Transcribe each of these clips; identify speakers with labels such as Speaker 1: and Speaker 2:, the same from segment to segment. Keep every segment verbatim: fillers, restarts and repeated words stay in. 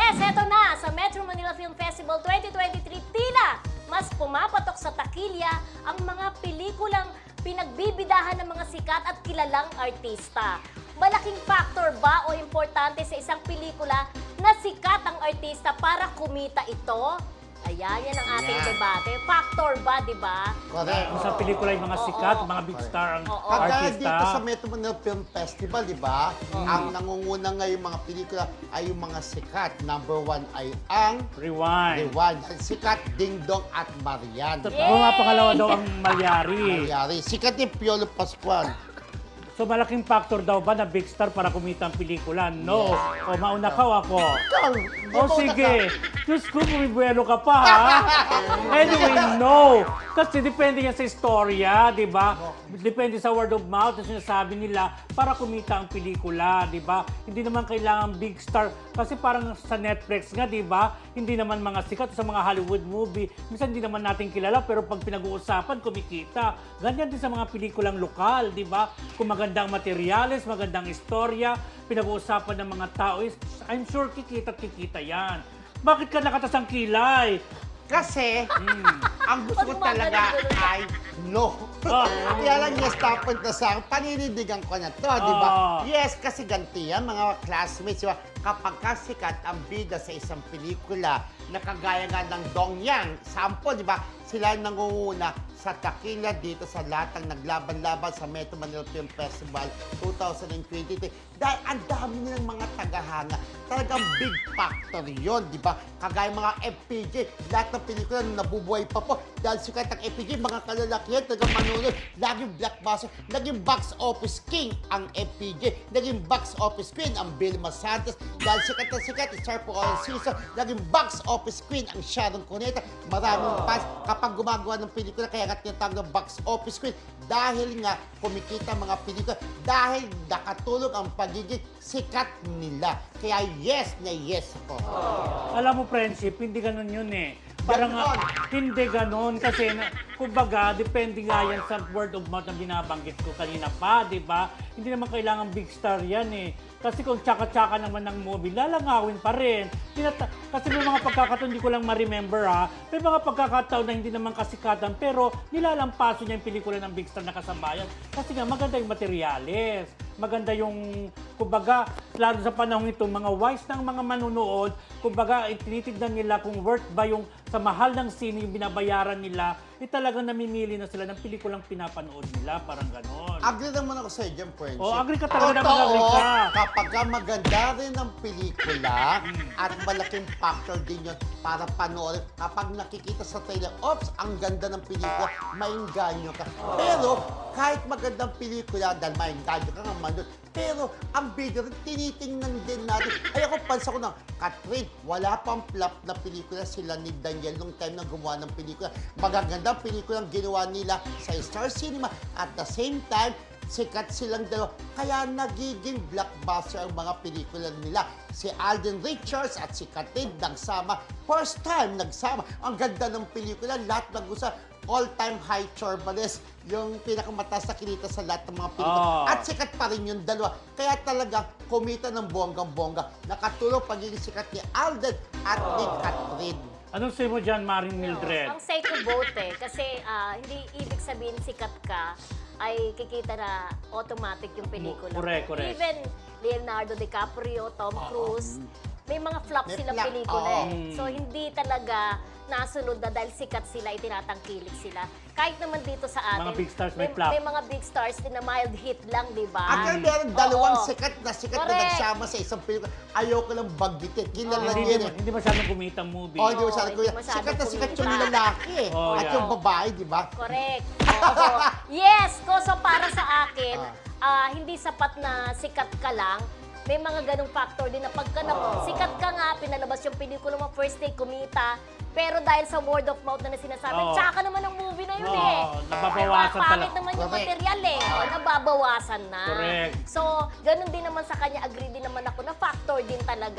Speaker 1: Yes, eto na! Sa Metro Manila Film Festival twenty twenty-three, tila mas pumapatok sa takilya ang mga pelikulang pinagbibidahan ng mga sikat at kilalang artista. Malaking factor ba o importante sa isang pelikula na sikat ang artista para kumita ito? Ayan, yan ang ating
Speaker 2: Ayan.
Speaker 1: debate. Factor ba, di ba?
Speaker 2: Correct.
Speaker 3: Kung sa pelikula yung mga
Speaker 1: Oo,
Speaker 3: sikat,
Speaker 1: oo.
Speaker 3: mga big star ang
Speaker 1: Oo.
Speaker 2: Kagaya
Speaker 3: artista.
Speaker 2: dito sa Metro Manila Film Festival, di ba? Ang nangunguna ngayong mga pelikula ay yung mga sikat. Number one ay ang
Speaker 3: Rewind.
Speaker 2: Rewind. Sikat, Ding Dong at Marian.
Speaker 3: At
Speaker 1: Yay!
Speaker 3: mga pangalawa daw ang Malyari.
Speaker 2: Nangyari. Sikat ni Piolo Pascual.
Speaker 3: So malaking factor daw ba na big star para kumita ang pelikula? No.
Speaker 2: Yes.
Speaker 3: O mauna ka o ako.
Speaker 2: Ikaw, di
Speaker 3: O
Speaker 2: ba
Speaker 3: sige.
Speaker 2: naka-
Speaker 3: Diyos ko, bumibuelo ka pa ha. Anyway, no. Kasi depende yan sa istorya, di ba? Depende sa word of mouth na sinasabi nila para kumita ang pelikula, di ba? Hindi naman kailangan big star. Kasi parang sa Netflix nga, di ba? Hindi naman mga sikat sa mga Hollywood movie. Minsan hindi naman natin kilala, pero pag pinag-uusapan, kumikita. Ganyan din sa mga pelikulang lokal, di ba? Kung magandang materyales, magandang istorya, pinag-uusapan ng mga tao is, I'm sure kikita at kikita yan. Bakit ka nakatasang kilay?
Speaker 2: Kasi,
Speaker 3: Hmm.
Speaker 2: ang gusto ko
Speaker 1: Pag
Speaker 2: talaga
Speaker 1: gumagano-gano.
Speaker 2: ay no.
Speaker 3: Ah.
Speaker 2: Kaya lang yes, tapos na sa akin, panindigan ko na to, di ba?
Speaker 3: Ah.
Speaker 2: Yes, kasi ganti yan, mga classmates, di ba? Kapag kasikat ang bida sa isang pelikula, na kagaya nga ng Dong Yang, sample, di ba? Sila ang nangunguna sa takila dito sa lahat ng naglaban-laban sa Metro Manila Film Festival twenty twenty-three. Dahil ang dami nilang mga tagahanga. Talagang big factor yon, di ba? Kagaya mga F P J, lahat ng pelikula na nabubuhay pa po. Dahil sikat ang F P J, mga kalalakihan, talagang manunod. Laging blockbuster, naging box office king ang F P J. Naging box office queen ang Vilma Santos. Dahil sikat na sikat, star for all season, naging box office queen ang Sharon Cuneta. Maraming fans kapag gumagawa ng pelikula, kaya nga tinatawag ng box office queen. Dahil nga kumikita ang mga pelikula, dahil nakatulong ang pagiging sikat nila. Kaya yes na yes ako.
Speaker 3: Alam mo, friendship, hindi ganun yun eh. Parang
Speaker 2: Ganon.
Speaker 3: ah, hindi ganun kasi na, kumbaga, depende nga yan sa word of mouth na binabanggit ko kanina pa, di ba? Hindi naman kailangan big star yan eh. Kasi kung tsaka-tsaka naman ng movie, lalangawin pa rin. Tinata- kasi may mga pagkakataon, hindi ko lang ma-remember ha, may mga pagkakataon na hindi naman kasikatan, pero nilalampaso niya yung pelikula ng big star na kasabayan. Kasi nga, maganda yung materyales. Maganda yung, kumbaga, lalo sa panahon ito, mga wise ng mga manunood, kumbaga, tinitignan nila kung worth ba yung sa mahal ng sine yung binabayaran nila, eh talagang namimili na sila ng pelikulang pinapanood nila, parang ganon.
Speaker 2: Agree naman ako sa iyo dyan, friendship.
Speaker 3: Oh, agree ka talaga,
Speaker 2: Totoo,
Speaker 3: naman, agree ka.
Speaker 2: kapag ka maganda rin ang pelikula at malaking factor din yun para panoorin. Kapag nakikita sa trailer, oops, ang ganda ng pelikula, maingganyo ka. Pero kahit magandang pelikula, dahil maingganyo ka nga manood, pero ang video rin, tinitingnan din natin. Ay ako, pansa ko na, Catherine, wala pang flop na pelikula sila ni Daniel nung time na gumawa ng pelikula. Magagandang pelikula ang ginawa nila sa Star Cinema. At the same time, sikat silang dalawa. Kaya nagiging blockbuster ang mga pelikula nila. Si Alden Richards at si Catherine nagsama. First time nagsama. Ang ganda ng pelikula. Lahat nag-usap. All-time high Chorbanes, yung pinakamataas na kinita sa lahat ng mga pelikula.
Speaker 3: Oh.
Speaker 2: At sikat pa rin yung dalawa. Kaya talaga, kumita ng bonggang-bongga. Nakatulong pagiging sikat ni Alden at ni Catherine.
Speaker 3: Anong say mo dyan, Maring Mildred?
Speaker 1: Ang say ko vote eh. Kasi ah, hindi ibig sabihin sikat ka ay kikita na automatic yung pelikula.
Speaker 3: Correct,
Speaker 1: mo.
Speaker 3: correct.
Speaker 1: Even Leonardo DiCaprio, Tom Cruise, may mga flop
Speaker 2: May
Speaker 1: silang
Speaker 2: flop,
Speaker 1: pelikula
Speaker 2: oo.
Speaker 1: eh. So hindi talaga nasunod na dahil sikat sila, itinatangkilik sila. Kahit naman dito sa atin,
Speaker 3: Mga big stars may
Speaker 1: may,
Speaker 3: flop.
Speaker 1: may mga big stars din na mild hit lang, di ba?
Speaker 2: At kaya meron dalawang
Speaker 1: Oo.
Speaker 2: sikat na sikat na
Speaker 1: Correct.
Speaker 2: nagsama sa isang pelikula. Ayoko lang bagbitin. Kilala
Speaker 3: Hindi,
Speaker 2: niya
Speaker 3: hindi,
Speaker 2: eh.
Speaker 3: hindi masyadong kumita ang movie.
Speaker 2: Oh, di ba
Speaker 1: Oo,
Speaker 2: sabi ko,
Speaker 1: hindi masyado
Speaker 2: sikat na sikat yung
Speaker 1: kumita.
Speaker 2: lalaki eh.
Speaker 3: Oh,
Speaker 2: At
Speaker 3: yeah.
Speaker 2: yung babae, di ba?
Speaker 1: Correct. Oo. Yes, ko so para sa akin,
Speaker 2: Ah.
Speaker 1: ah, hindi sapat na sikat ka lang. May mga ganong factor din na pagka na, sikat ka nga, pinalabas yung pelikula mo, first day kumita, pero dahil sa word of mouth na, na sinasabi,
Speaker 3: Oo.
Speaker 1: tsaka naman ang movie na yun
Speaker 3: Oo,
Speaker 1: eh.
Speaker 3: nababawasan
Speaker 1: Diba, pangit
Speaker 3: talaga.
Speaker 1: naman yung
Speaker 2: Correct.
Speaker 1: material eh. O, nababawasan na.
Speaker 3: Correct.
Speaker 1: So, ganun din naman sa kanya, agree din naman ako na factor din talaga na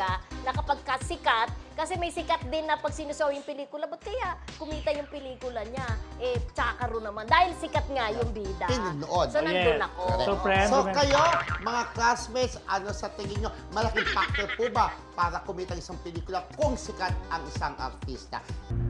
Speaker 1: na kapag ka sikat, kasi may sikat din na pag sinusaw yung pelikula, ba't kaya kumita yung pelikula niya? Eh, tsakaro naman. Dahil sikat nga yung bida.
Speaker 2: Pinunood.
Speaker 1: So,
Speaker 3: Oh,
Speaker 1: nandun
Speaker 3: yes.
Speaker 1: ako.
Speaker 3: So, friend,
Speaker 2: So
Speaker 3: remember-
Speaker 2: kayo, mga classmates, ano sa tingin nyo, malaking factor po ba para kumita isang pelikula kung sikat ang isang artista?